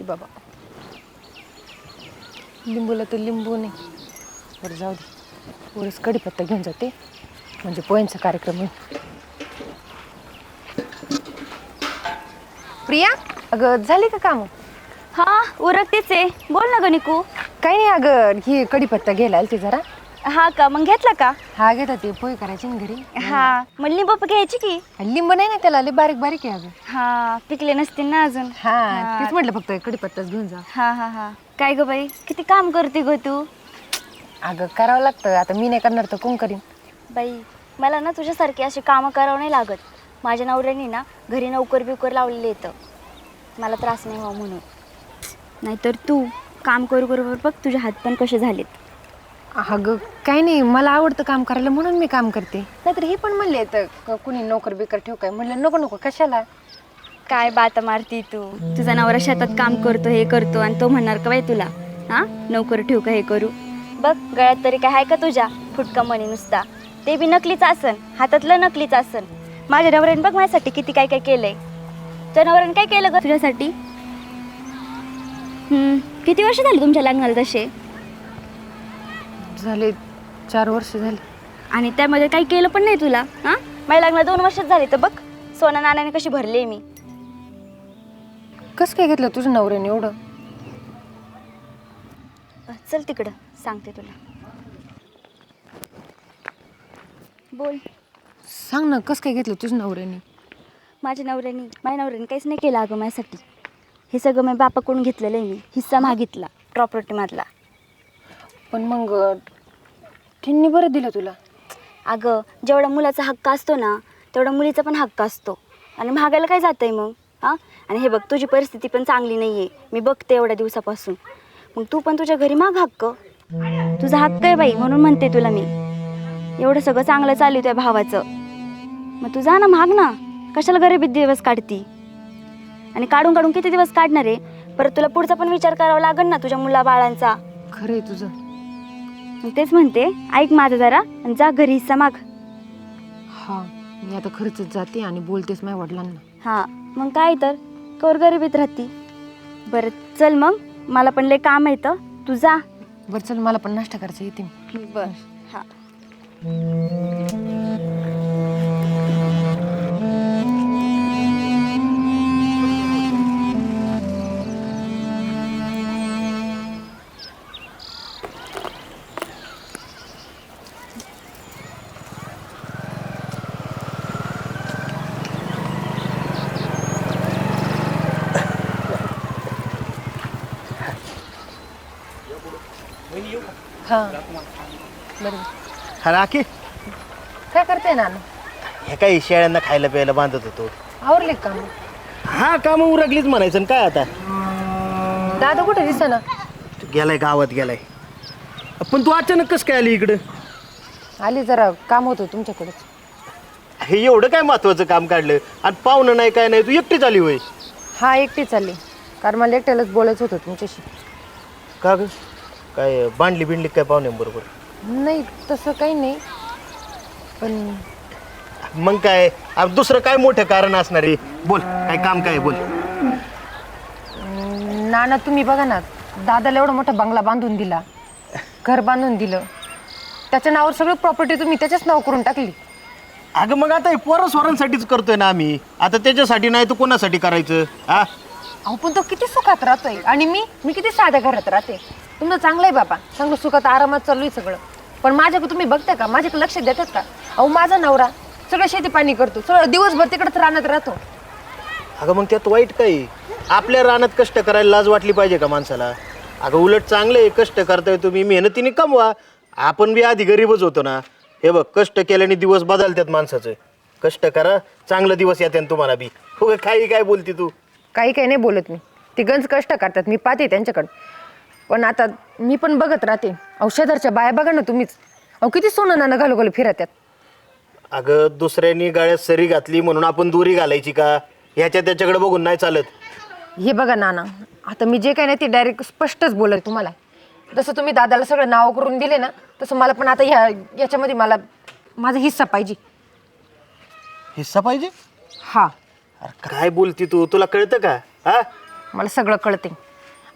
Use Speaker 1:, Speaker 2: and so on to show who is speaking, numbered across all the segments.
Speaker 1: बाबा, लिंबूला तर लिंबू नाही. बरं जाऊ दे, वरच कढीपत्ता घेऊन जाते म्हणजे पोह्यांचा कार्यक्रम होईल. प्रिया, अगं झाली का काम?
Speaker 2: हा उरकतेच आहे. बोल ना गणिकू.
Speaker 1: काही नाही अगं, ही कढीपत्ता घ्यायला आलती जरा.
Speaker 2: हा का, मग घेतला का?
Speaker 1: हा घेता, ते पोहे करायचे ना घरी.
Speaker 2: हा मग लिंबू घ्यायची की.
Speaker 1: लिंबू नाही ना त्याला, लय बारीक बारीक आहे अगं.
Speaker 2: हा पिकले नसतील ना अजून.
Speaker 1: हा तेच म्हटलं, फक्त कढीपत्ताच घेऊन जा.
Speaker 2: हा हा हा. काय ग बाई, किती काम करते ग तू.
Speaker 1: अगं करावं लागतं, आता मी नाही करणार तर कोण करीन.
Speaker 2: बाई मला ना तुझ्यासारखी अशी कामं करावं नाही लागत. माझ्या नवऱ्याने ना घरी नोकर बिकर लावलेलं येतं, मला त्रास नाही व्हावं म्हणून. नाहीतर तू काम करू बरोबर बघ तुझे हात पण कसे झालेत.
Speaker 1: अगं काही नाही, मला आवडतं काम करायला म्हणून मी काम करते. नाहीतर हे पण म्हणले तर कुणी नोकर बिकर ठेव, काय म्हणलं नको नको कशाला.
Speaker 2: काय बाता मारती तू. तुझा नवरा शेतात काम करतो हे करतो आणि तो म्हणणार का बाई तुला हा नोकर ठेवू का हे करू. बघ गळ्यात तरी काय आहे का तुझ्या फुटका मणी नुसता, ते बी नकलीच आसन, हातातलं नकलीच आसन. माझ्या नवऱ्याने बघ माझ्यासाठी किती काय काय केलंय. तुझ्या नवऱ्याने काय केलं ग तुझ्यासाठी. किती वर्ष झाली तुमच्या लग्नाला तसे.
Speaker 1: झाले 4 वर्ष झाले.
Speaker 2: आणि त्यामध्ये काही केलं पण नाही तुला. हा माझ्या लग्नाला 2 वर्षच झाली तर बघ सोना नाण्याने कशी भरली मी.
Speaker 1: कसं काय घेतलं तुझ्या नवऱ्याने एवढं.
Speaker 2: चल तिकडं सांगते तुला. बोल.
Speaker 1: सांग ना, कसं काय घेतलं तुझ्या नवऱ्याने.
Speaker 2: माझ्या नवऱ्याने काहीच नाही केलं अगं माझ्यासाठी. हे सगळं मी बापाकडून घेतलेलं आहे. मी हिस्सा मागितला प्रॉपर्टीमधला.
Speaker 1: पण मग त्यांनी बरं दिलं तुला.
Speaker 2: अगं जेवढा मुलाचा हक्क असतो ना तेवढा मुलीचा पण हक्क असतो. आणि महागायला काय जातं आहे मग. हां आणि हे बघ तुझी परिस्थिती पण चांगली नाही आहे, मी बघते एवढ्या दिवसापासून. मग तू पण तुझ्या घरी माग हक्क. तुझा हक्क आहे बाई म्हणून म्हणते तुला मी. एवढं सगळं चांगलं चालू त्या भावाचं, मग तू जा ना माग ना. कशाला गरिबीत दिवस काढती. आणि काढून काढून किती दिवस काढणार आहे. परत तुला पुढचा पण विचार करावा लागेल ना तुझ्या मुला बाळांचा.
Speaker 1: खरं आहे तुझं.
Speaker 2: तेच म्हणते, ऐक माझं जरा आणि जा घरी हिस्सा माग.
Speaker 1: हा मी आता खरंच जाते आणि बोलतेच माझ्या वडिलांना.
Speaker 2: हां मग काय तर कवर गरिबीत राहती. बरं चल मग, मला पण लय काम येतं, तू जा.
Speaker 1: बरं चल, मला पण नाश्ता करायचा, येते.
Speaker 2: बर हां.
Speaker 1: हा बरं.
Speaker 3: हा राखी,
Speaker 1: काय करते ना.
Speaker 3: हे काही शेळ्यांना खायला प्यायला बांधत होतो.
Speaker 1: आवरले काम.
Speaker 3: हा काम उरकलीच म्हणायचं ना काय आता.
Speaker 1: दादा कुठे दिसेना.
Speaker 3: गेलाय गावात गेलाय. पण तू अचानक कसं काय आली इकडं.
Speaker 1: आली, जरा काम होतं तुमच्याकडेच.
Speaker 3: हे एवढं काय महत्वाचं काम काढलं आणि पाहुणं नाही काय नाही, तू एकटीच आली होय.
Speaker 1: हा एकटी चालली, कारण मला एकट्यालाच बोलायचं होतं तुमच्याशी.
Speaker 3: का ग, काय बांधली बिंडली काय पाहुण्यांबरोबर.
Speaker 1: नाही तसं काही नाही, पण
Speaker 3: मग काय दुसरं काय मोठं कारण असणार आहे. बोल काय काम काय बोल.
Speaker 1: नाना तुम्ही बघा ना, दादाला एवढा मोठा बंगला बांधून दिला, घर बांधून दिलं, त्याच्या नावावर सगळं प्रॉपर्टी तुम्ही त्याच्याच नाव करून टाकली.
Speaker 3: अगं मग आता हे पोरं स्वरांसाठीच करतोय ना आम्ही, आता त्याच्यासाठी नाही तर कोणासाठी करायचं. हा
Speaker 1: अहो पण तो किती सुखात राहतोय आणि मी किती साध्या घरात राहते. तुमचं चांगलं आहे बाबा, चांगलं सुखात आरामात चालू आहे सगळं. पण माझ्याकडे तुम्ही बघता का, माझ्याकडे लक्ष देतात का. अहो माझा नवरा सगळं शेती पाणी करतो, सगळं दिवसभर तिकडेच रानात राहतो.
Speaker 3: अगं मग त्यात वाईट काय. आपल्या रानात कष्ट करायला लाज वाटली पाहिजे का माणसाला. अगं उलट चांगलं आहे, कष्ट करताय तुम्ही, मेहनतीने कमवा. आपण बी आधी गरीबच होतो ना. हे बघ कष्ट केल्याने दिवस बदलतात माणसाचं. कष्ट करा, चांगलं दिवस येते तुम्हाला बी. हो काही काय बोलती तू.
Speaker 1: काही नाही बोलत मी, ते गंज कष्ट करतात, मी पाहते त्यांच्याकडं. पण आता मी पण बघत राहते. औषधाच्या बाया बघा ना तुम्हीच, अहो किती सोनं नाणं घालू घालू फिरत्यात.
Speaker 3: अगं दुसऱ्यांनी गाळ्यात सरी घातली म्हणून आपण दोरी घालायची का. ह्याच्या त्याच्याकडे बघून नाही चालत.
Speaker 1: हे बघा नाना, आता मी जे काही नाही ते डायरेक्ट स्पष्टच बोलत तुम्हाला. जसं तुम्ही दादाला सगळं नाव करून दिले ना, तसं मला पण आता याच्यामध्ये मला माझा हिस्सा पाहिजे.
Speaker 3: हिस्सा पाहिजे.
Speaker 1: हा
Speaker 3: अरे काय बोलती तू, तुला कळतं का. हा
Speaker 1: मला सगळं कळते.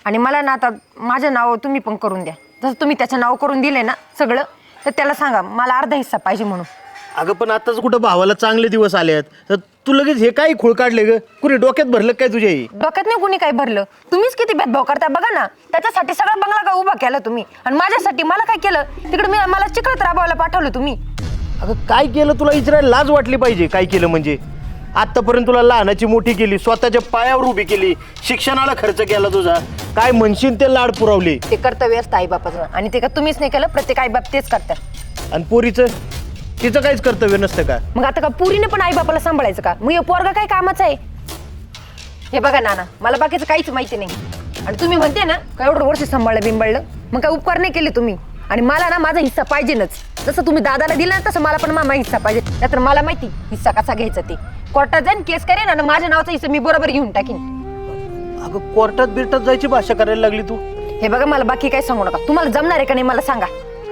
Speaker 1: आणि मला ना आता माझं नाव तुम्ही पण करून द्या. जसं तुम्ही त्याचं नाव करून दिले ना सगळं, तर त्याला सांगा मला अर्धा हिस्सा पाहिजे म्हणून.
Speaker 3: अगं पण आताच कुठं भावाला चांगले दिवस आले आहेत तर तू लगेच हे काय खूळ काढले ग? कुणी डोक्यात भरलं काय तुझ्या हे?
Speaker 1: डोक्यात नाही कुणी काही भरलं. तुम्हीच किती भेदभाव करता बघा ना. त्याच्यासाठी सगळा बंगला का उभा केला तुम्ही, आणि माझ्यासाठी मला काय केलं? तिकडे मला चिखलात राबवायला पाठवलं तुम्ही.
Speaker 3: अगं काय केलं तुला इचरायला लाज वाटली पाहिजे. काय केलं म्हणजे? आत्तापर्यंत तुला लहानाची मोठी केली, स्वतःच्या पायावर उभी केली, शिक्षणाला खर्च केला तुझा, काय म्हणशील ते लाड पुरवले.
Speaker 1: ते कर्तव्य असतं आईबापाचं, आणि ते का तुम्हीच नाही केलं? प्रत्येक आईबाप तेच करतात.
Speaker 3: आणि पोरीचं तिचं काहीच कर्तव्य नसतं का?
Speaker 1: मग आता का पुरीने पण आईबापाला सांभाळायचं का? मग हे पोरगा काय कामाचं आहे? हे बघा नाना, मला बाकीचं काहीच माहिती नाही. आणि तुम्ही म्हणते ना का एवढं वर्ष सांभाळलं बिंबळलं, मग काय उपकार नाही केले तुम्ही. आणि मला ना माझा हिस्सा पाहिजेच. जसं तुम्ही दादाला दिला ना तसं मला पण माझा हिस्सा पाहिजे. नाहीतर मला माहिती हिस्सा कसा घ्यायचा ते. कोर्टात जाईन, केस करेन, आणि माझ्या नावाचा हिस्सा मी बरोबर घेऊन टाकीन.
Speaker 3: अगं कोर्टात बिरटात जायची भाषा करायला लागली तू.
Speaker 1: हे बघा, मला बाकी काही सांगू नका. तुम्हाला जमणार आहे का नाही मला सांगा.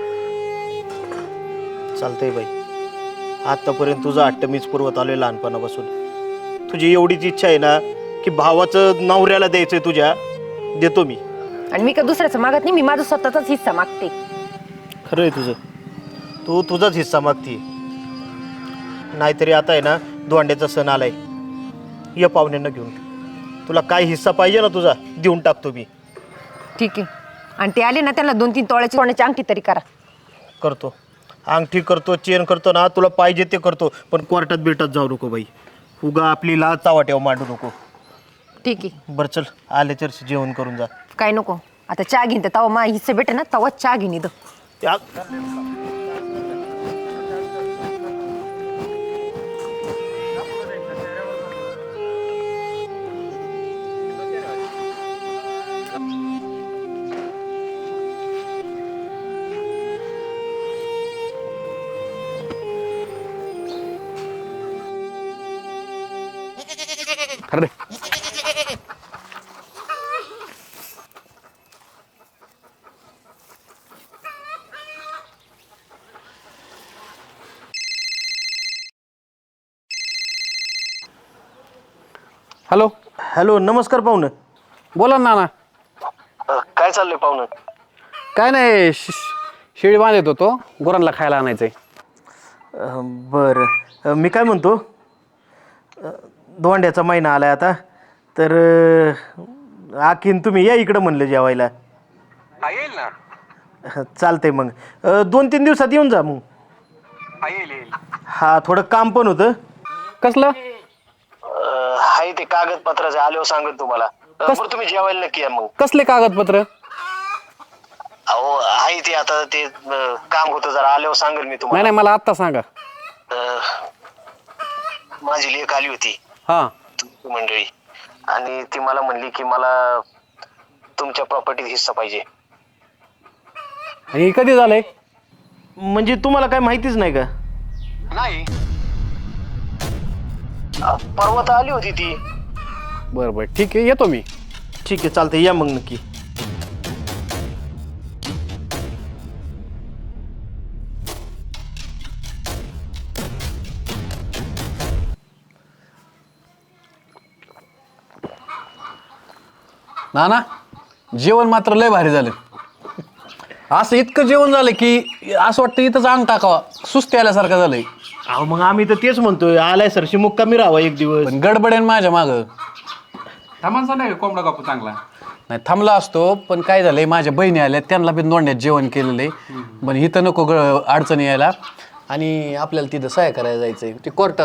Speaker 3: चालतंय बाई, आतापर्यंत तुझं हट्ट मीच पुरवत आलोय लहानपणापासून. तुझी एवढीच इच्छा आहे ना की भावाचं नवऱ्याला द्यायचंय तुझ्या, देतो मी.
Speaker 1: आणि मी का दुसऱ्याचं मागत नाही, मी माझा स्वतःचाच हिस्सा मागते.
Speaker 3: खरं आहे तुझं, तू तुझाच हिस्सा मागती. नाहीतरी आता आहे ना दोंड्याचा सण आलाय, ये पाहुण्यांना घेऊन. तुला काय हिस्सा पाहिजे ना तुझा देऊन टाकतो मी.
Speaker 1: ठीक आहे. आणि ते आले ना त्यांना 2-3 तोळ्याची सोन्याची अंगठी तरी करा.
Speaker 3: करतो, अंगठी करतो, चेन करतो ना, तुला पाहिजे ते करतो. पण कोर्टात बिरटात जाऊ नको बाई. उगा आपली लाज चावाट्यावर मांडू नको.
Speaker 1: ठीक आहे.
Speaker 3: बरं चल, आले तर जेवण करून जा.
Speaker 1: काय नको, आता चहा घेईन. तर तवा मा हिस्से भेटे ना तवा चहा घेईन इथं.
Speaker 3: त्या
Speaker 4: अरे हॅलो
Speaker 3: हॅलो, नमस्कार पाहुणं.
Speaker 4: बोला ना नाना.
Speaker 3: काय चाललंय पाहुणं?
Speaker 4: काय नाही, शेळी बांधत होतो, गुरांना खायला आणायचंय.
Speaker 3: बरं, मी काय म्हणतो, दोंड्याचा महिना आलाय आता, तर आखीन तुम्ही या इकडं म्हणलं जेवायला.
Speaker 4: येईल ना.
Speaker 3: चालतंय मग 2-3 दिवसात येऊन जा मग.
Speaker 4: येईल.
Speaker 3: हा, थोडं काम पण होतं.
Speaker 4: कसलं?
Speaker 3: हाय ते कागदपत्राचे आल्यावर सांगत तुम्हाला. बरं तुम्ही जेवायला नक्की या मग.
Speaker 4: कसले कागदपत्र?
Speaker 3: अहो आहे ते, आता ते काम होतं जरा, आल्यावर सांगेल मी
Speaker 4: नाही
Speaker 3: तुम्हाला.
Speaker 4: नाही, मला आत्ता सांगा.
Speaker 3: माझी लेक आली होती
Speaker 4: हां.
Speaker 3: मंडळी, आणि ती मला म्हणली की मला तुमच्या प्रॉपर्टीत हिस्सा पाहिजे.
Speaker 4: आणि हे कधी झालंय?
Speaker 3: म्हणजे तुम्हाला काय माहितीच नाही का?
Speaker 4: नाही.
Speaker 3: परवा तर आली होती ती.
Speaker 4: बरं बरं, ठीक आहे, येतो मी.
Speaker 3: ठीक आहे, चालतंय, या मग नक्की.
Speaker 4: नाना, जेवण मात्र लय भारी झालं. असं इतकं जेवण झालं की असं वाटतं इथंच अंग टाकावा, सुस्ती आल्यासारखं झालंय.
Speaker 3: अहो मग आम्ही तर तेच म्हणतोय, आलाय सरशी मुक्कामी राहावा एक दिवस.
Speaker 4: पण गडबडेन माझ्या मागं.
Speaker 5: थांबांचा नाही कोंबडा कापू चांगला.
Speaker 4: नाही थांबला असतो, पण काय झालंय, माझ्या बहिणी आल्या, त्यांना बी दोंड्यात जेवण केलेलं आहे. पण इथं नको अडचणी यायला. आणि आपल्याला तिथं सहाय्य करायला जायचंय, ते कोर्टात.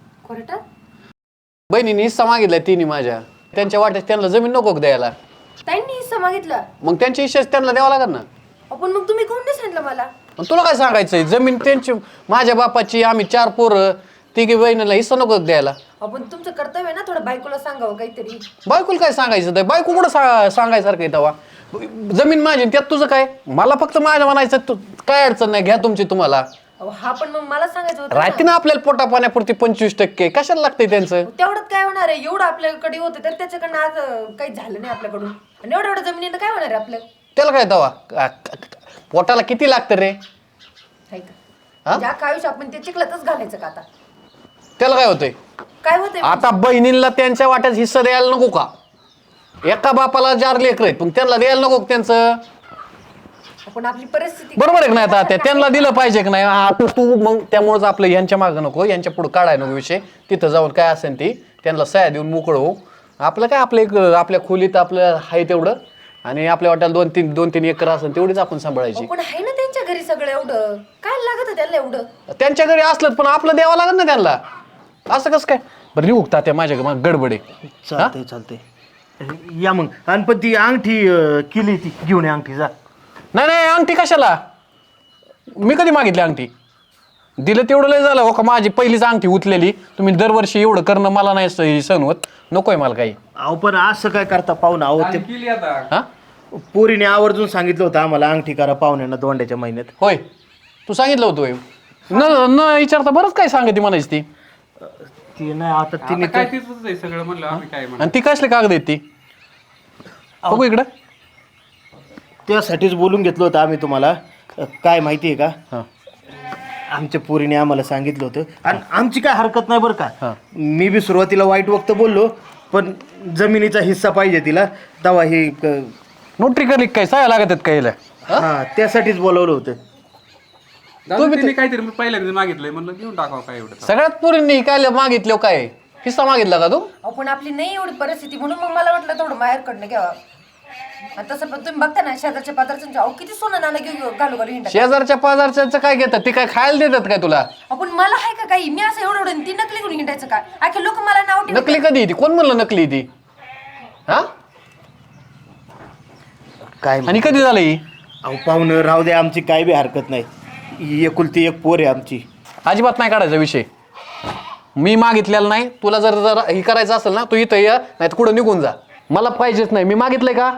Speaker 4: बहिणीने हिस्सा मागितलाय तिने माझ्या. त्यांच्या वाट्यात त्यांना जमीन नको का द्यायला?
Speaker 1: त्यांनी हिस्सा मागितला.
Speaker 4: मग त्यांच्या हिश्श्याच त्यांना द्यावा लागेल ना.
Speaker 1: आपण मग तुम्ही कोण नाही सांगितलं मला?
Speaker 4: पण तुला काय सांगायचंय, जमीन त्यांची, माझ्या बापाची, आम्ही 4 पोरं, तिघी बहिणीला हिस्सा नको द्यायला.
Speaker 1: आपण तुमचं कर्तव्य ना थोडं बायकोला सांगावं काहीतरी.
Speaker 4: बायकोला काय सांगायचं? तर बायको कुठं सांगायसारखं आहे तेव्हा? जमीन माझी, त्यात तुझं काय? मला फक्त माझ्या म्हणायचं, काय अडचण नाही, घ्या तुमची तुम्हाला.
Speaker 1: हा पण मग मला सांगायचं होतं
Speaker 4: राहते ना आपल्याला पोटा पाण्यापुरती 25%, कशाला लागतंय त्यांचं?
Speaker 1: तेवढ्यात काय होणार आहे? एवढं आपल्याकडे होतं तर त्याच्याकडनं आज काही झालं नाही आपल्याकडून. आणि एवढ्या जमिनीनं काय होणार आहे आपलं?
Speaker 4: त्याला काय तेव्हा? पोटाला किती लागतं रे?
Speaker 1: ज्या आयुष्य आपण ते चिखलातच घालायचं का आता?
Speaker 4: त्याला काय होतंय?
Speaker 1: काय होतंय?
Speaker 4: आता बहिणींना त्यांच्या वाट्यात हिस्सा द्यायला नको का? एका बापाला 4 लेकर आहेत पण त्यांना द्यायला नको का त्यांचं?
Speaker 1: पण आपली परिस्थिती
Speaker 4: बरोबर आहे का नाही? आता त्यांना दिलं पाहिजे की नाही? हा तू मग त्यामुळेच आपलं यांच्या मागं नको, यांच्या पुढे काढाय नको विषय. तिथं जाऊन काय असेल ती त्यांना सह्या देऊन मोकळं हो. आपलं काय आपल्या खोलीत आपलं आहे तेवढं, आणि आपल्या वाट्याला 2-3 एकर असेल तेवढीच आपण सांभाळायची.
Speaker 1: पण आहे ना त्यांच्या घरी सगळं, एवढं काय लागत त्यांना एवढं?
Speaker 4: त्यांच्या घरी असलं पण आपलं द्यावं लागत ना त्यांना. असं कसं काय? बरं निघता त्या माझ्या मग गडबडे.
Speaker 3: चालतंय या मग. आणि पण ती अंगठी केली ती घेऊन ये अंगठी जा.
Speaker 4: नाही अंगठी कशाला? मी कधी मागितली अंगठी? दिलं तेवढं लय झालं हो का? माझी पहिलीच अंगठी उचलेली तुम्ही. दरवर्षी एवढं करणं मला नाही सहन होत. नकोय मला काही.
Speaker 3: अहो पण असं काय करता पाहुणा? अहो ते
Speaker 5: केली आता.
Speaker 4: हा
Speaker 3: पोरीने आवर्जून सांगितलं होतं आम्हाला अंगठी करा पाहुण्यांना दोंड्याच्या महिन्यात.
Speaker 4: होय तू सांगितलं होतं होय. न विचारता बरंच काय सांगते म्हणायची ती.
Speaker 3: ती नाही आता तिने
Speaker 5: आता काय तिथंच आहे सगळं म्हणलं आम्ही काय म्हणलं.
Speaker 4: आणि ती कसले कागद आहेत ती? बघू इकडं.
Speaker 3: त्यासाठीच बोलून घेतलं होतं आम्ही तुम्हाला. काय माहिती आहे का,
Speaker 4: हां
Speaker 3: आमच्या पोरीने आम्हाला सांगितलं होतं. आणि आमची काय हरकत नाही बरं का.
Speaker 4: हां.
Speaker 3: मी बी सुरुवातीला वाईट वक्त बोललो, पण जमिनीचा हिस्सा पाहिजे तिला तेव्हा हे
Speaker 4: नोटरी करली काय? सह्या लागत आहेत काय?
Speaker 3: हा त्यासाठीच बोलवलं होतं.
Speaker 5: दादा तिने काहीतरी मी पहिल्यांदा मागितलंय म्हणलं घेऊन टाकावं काय एवढं.
Speaker 4: सगळ्यात पोरींनी काय मागितलं? काय हिस्सा मागितला का तू?
Speaker 1: पण आपली नाही एवढी परिस्थिती, म्हणून मग मला वाटलं थोडं माहेरकडनं घ्यावं. आणि तसं पण तुम्ही बघता ना शेजारच्या पाजारच्या अहो किती सोनं नाणं घेऊन घालू हिंडा.
Speaker 4: शेजारच्या पाजारच्या काय घेतात? ते काय खायला देतात काय तुला?
Speaker 1: आपण मला आहे का काही? मी असं एवढं ती नकली घेऊन हिंडायचं काय? आखे लोक मला नाव ठेवतात.
Speaker 4: नकली कधी ती? कोण म्हणलं नकली ती? हा
Speaker 3: काय
Speaker 4: आणि कधी झालं ही?
Speaker 3: अहो पाहुणं राहू दे, आमची काय बी हरकत नाही. ही एकुलती एक पोर आहे आमची.
Speaker 4: अजिबात नाही काढायचा विषय. मी मागितलेला नाही. तुला जर हे करायचं असेल ना तू इथं या, नाही तर कुठं निघून जा. मला पाहिजेच नाही. मी मागितलंय का?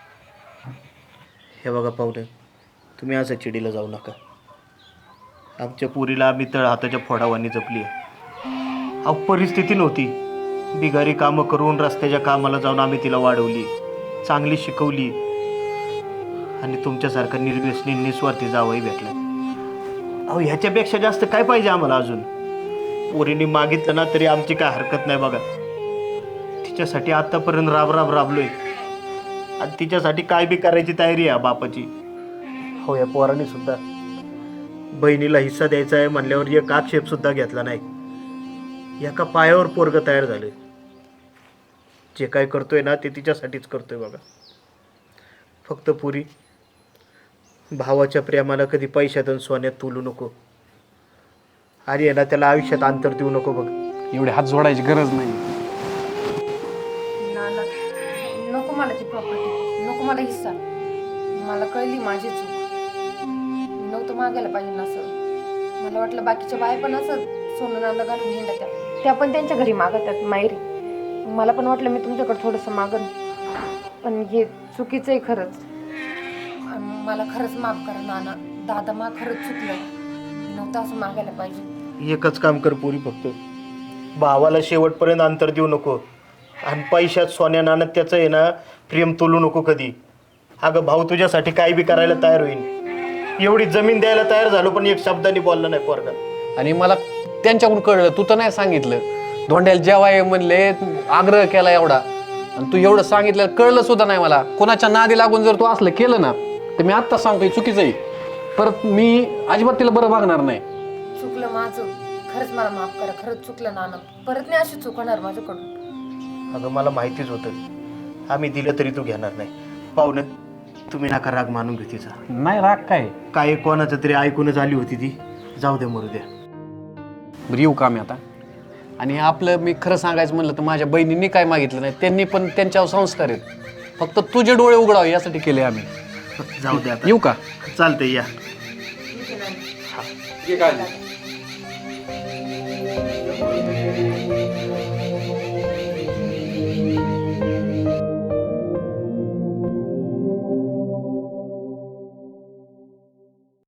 Speaker 3: हे बघा पाहुणे, तुम्ही असं चिडीला जाऊ नका. आमच्या पुरीला आम्ही तळ हाताच्या फोडावानी जपली आहे. अहो परिस्थिती नव्हती. बिगारी कामं करून रस्त्याच्या कामाला जाऊन आम्ही तिला वाढवली, चांगली शिकवली, आणि तुमच्यासारखा निर्व्यसनी निस्वार्थी जावंही भेटला. अहो ह्याच्यापेक्षा जास्त काय पाहिजे आम्हाला अजून? पोरीने मागितलं ना तरी आमची काय हरकत नाही बघा. तिच्यासाठी आतापर्यंत राबलोय, आणि तिच्यासाठी काय बी करायची तयारी आहे बापाची. हो या पोराने सुद्धा बहिणीला हिस्सा द्यायचा आहे म्हणल्यावर एक आक्षेप सुद्धा घेतला नाही. एका पायावर पोरग तयार झाले. जे काय करतोय ना ते तिच्यासाठीच करतोय बघा. फक्त पुरी भावाच्या प्रेमाला कधी पैशात आणि सोन्यात तुलू नको, आणि आहे ना त्याला आयुष्यात अंतर देऊ नको बघ.
Speaker 4: एवढे हात जोडायची गरज नाही.
Speaker 1: नाना नको मला ती प्रॉपर्टी, नको मला हिस्सा. मला कळली माझी चूक. मी नव्हतं मागायला पाहिजे ना असं. मला वाटलं बाकीच्या बाया पण असं सोनं नाणं घालून हिंडा त्या पण त्यांच्या घरी मागतात माहेरी. मला पण वाटलं मी तुमच्याकडे थोडंसं मागन, पण हे चुकीचं आहे खरंच. आणि मला खरंच माफ करा नाना. दादा मा खरंच चुकलं. नव्हतं असं मागायला पाहिजे.
Speaker 3: एकच काम कर पुरी, फक्त भावाला शेवटपर्यंत अंतर देऊ नको, आणि पैशात सोन्या नाण्यात त्याचं आहे ना प्रेम तोलू नको कधी. अगं भाऊ तुझ्यासाठी काय बी करायला तयार होईल. एवढी जमीन द्यायला तयार झालो पण एक शब्दाने बोलला नाही पोरगा.
Speaker 4: आणि मला त्यांच्याकडून कळलं, तू तर नाही सांगितलं. धोंड्याला जेवाय म्हणले, आग्रह केला एवढा, आणि तू एवढं सांगितलं कळलं सुद्धा नाही मला. कोणाच्या नादी लागून जर तू असलं केलं ना तर मी आत्ताच सांगतोय चुकीचं आहे. परत मी अजिबात तिला बरं वागणार नाही.
Speaker 1: चुकलं माझं, खरंच मला माफ करा. खरंच चुकलं नाना. परत नाही अशी चूक होणार माझ्याकडून.
Speaker 3: अगं मला माहितीच होतं आम्ही दिलं तरी तू घेणार नाही. पाहुणं तुम्ही नका राग मानून घेऊ तिचा.
Speaker 4: नाही राग
Speaker 3: काय कोणाचं तरी ऐकूनच आली होती ती. जाऊ दे मरू द्या.
Speaker 4: बरं येऊ का मी आता? आणि आपलं मी खरं सांगायचं म्हणलं तर माझ्या बहिणींनी काय मागितलं नाही. त्यांनी पण त्यांच्यावर संस्कार आहेत. फक्त तुझे डोळे उघडावे यासाठी केले आम्ही.
Speaker 3: जाऊ दे आता.
Speaker 4: येऊ का?
Speaker 3: चालतंय या.
Speaker 5: ठीक आहे.